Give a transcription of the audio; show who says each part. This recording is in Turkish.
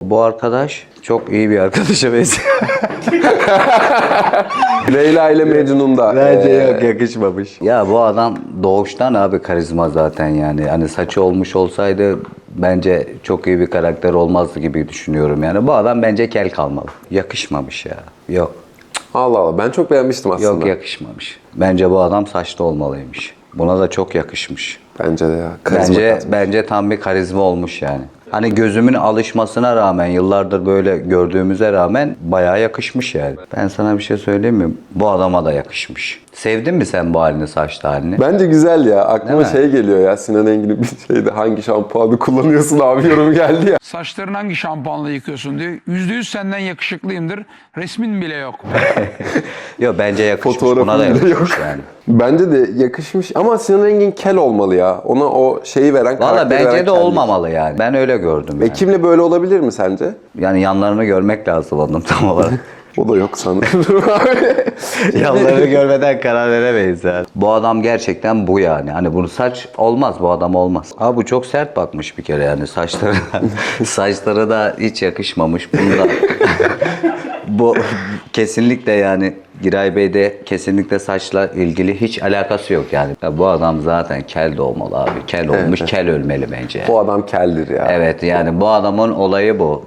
Speaker 1: Bu arkadaş çok iyi bir arkadaşa benziyor.
Speaker 2: Leyla ile Mecnun'da.
Speaker 1: Bence yok, yakışmamış. Ya bu adam doğuştan abi karizma zaten yani. Hani saçı olmuş olsaydı bence çok iyi bir karakter olmazdı gibi düşünüyorum yani. Bu adam bence kel kalmalı. Yakışmamış ya. Yok.
Speaker 2: Allah Allah, ben çok beğenmiştim aslında.
Speaker 1: Yok, yakışmamış. Bence bu adam saçlı olmalıymış. Buna da çok yakışmış.
Speaker 2: Bence de ya. Karizma katmış.
Speaker 1: Bence tam bir karizma olmuş yani. Hani gözümün alışmasına rağmen, yıllardır böyle gördüğümüze rağmen bayağı yakışmış yani. Ben sana bir şey söyleyeyim mi? Bu adama da yakışmış. Sevdin mi sen bu halini, saçlı halini?
Speaker 2: Bence güzel ya. Aklıma
Speaker 1: Değil mi?
Speaker 2: şey geliyor ya. Sinan Engin'in bir şeyde hangi şampuanı kullanıyorsun abi yorumu geldi ya.
Speaker 3: Saçlarını hangi şampuanla yıkıyorsun diyor. %100 senden yakışıklıyımdır. Resmin bile yok.
Speaker 1: Yok, bence yakışmış.
Speaker 2: Fotoğrafı
Speaker 1: Buna da
Speaker 2: bile
Speaker 1: yakışmış
Speaker 2: yok.
Speaker 1: yani.
Speaker 2: Bence de yakışmış ama Sinan Engin kel olmalı ya. Ona o şeyi veren,
Speaker 1: Valla
Speaker 2: karakteri veren
Speaker 1: bence de
Speaker 2: kellik.
Speaker 1: olmamalı yani. Ben öyle gördüm yani.
Speaker 2: Ekim'le böyle olabilir mi sence?
Speaker 1: Yani yanlarını görmek lazım onun tam olarak.
Speaker 2: O da yok sanırım abi.
Speaker 1: Yanlarını görmeden karar veremeyiz yani. Bu adam gerçekten bu yani. Hani bunu saç olmaz, bu adam olmaz. Abi bu çok sert bakmış bir kere yani saçları. Saçları da hiç yakışmamış. Bunu da bu kesinlikle yani Giray Bey'de kesinlikle saçla ilgili hiç alakası yok yani. Ya bu adam zaten kel de olmalı abi. Kel olmuş, kel ölmeli bence.
Speaker 2: Bu adam keldir ya.
Speaker 1: Evet yani bu adamın olayı bu.